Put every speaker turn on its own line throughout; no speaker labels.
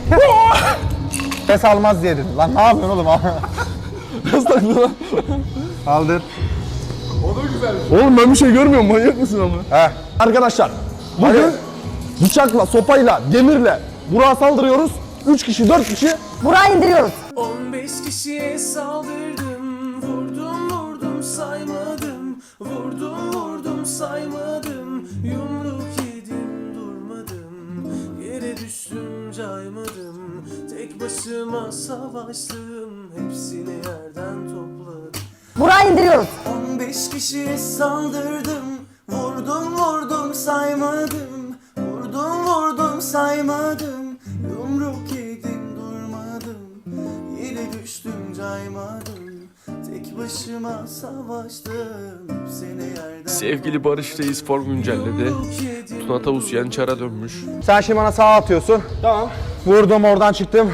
Ses almaz diye dedim. Lan ne yapıyorsun oğlum?
Nasıl takıldı lan?
Kaldır.
Oğlum ben bir şey görmüyorum, manyak mısın ama?
Heh.
Arkadaşlar, bugün bıçakla, sopayla, demirle Burak'a saldırıyoruz. 3 kişi, 4 kişi.
Burak'ı indiriyoruz.
15 kişiye saldırdım, vurdum saymadım, vurdum saymadım, yumruk yedim durmadım, yere düştüm caymadım, tek başıma savaştım, hepsini yerden topladım.
Burak'ı indiriyoruz.
15 kişiye saldırdım, vurdum saymadım, vurdum saymadım, yumruk yedim durmadım, yere düştüm caymadım, tek başıma savaştım, hepsini yerden.
Sevgili Barış Reis form güncelledi. Tuna Tavus Yançar'a dönmüş.
Sen şimdi bana sağa atıyorsun.
Tamam.
Vurdum, oradan çıktım.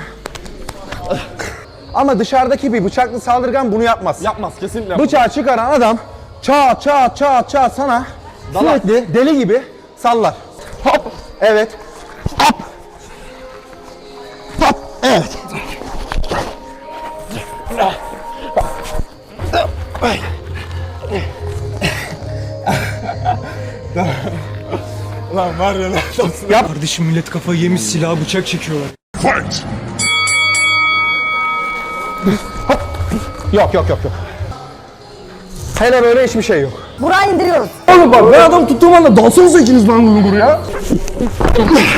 Ama dışarıdaki bir bıçaklı saldırgan bunu yapmaz.
Yapmaz, kesinlikle yapmaz.
Bıçağı çıkaran adam çat sana
Dalar.
sürekli deli gibi sallar. Hop. Evet. Hop. Hop. Evet.
Lan var ya lan.
Yap.
Kardeşim millet kafayı yemiş, silah bıçak çekiyorlar.
Yok. Hele böyle hiçbir şey yok.
Burak'ı indiriyoruz.
Oğlum bak, ben adam tuttuğum anda dalsanıza ikiniz lan bunu buraya.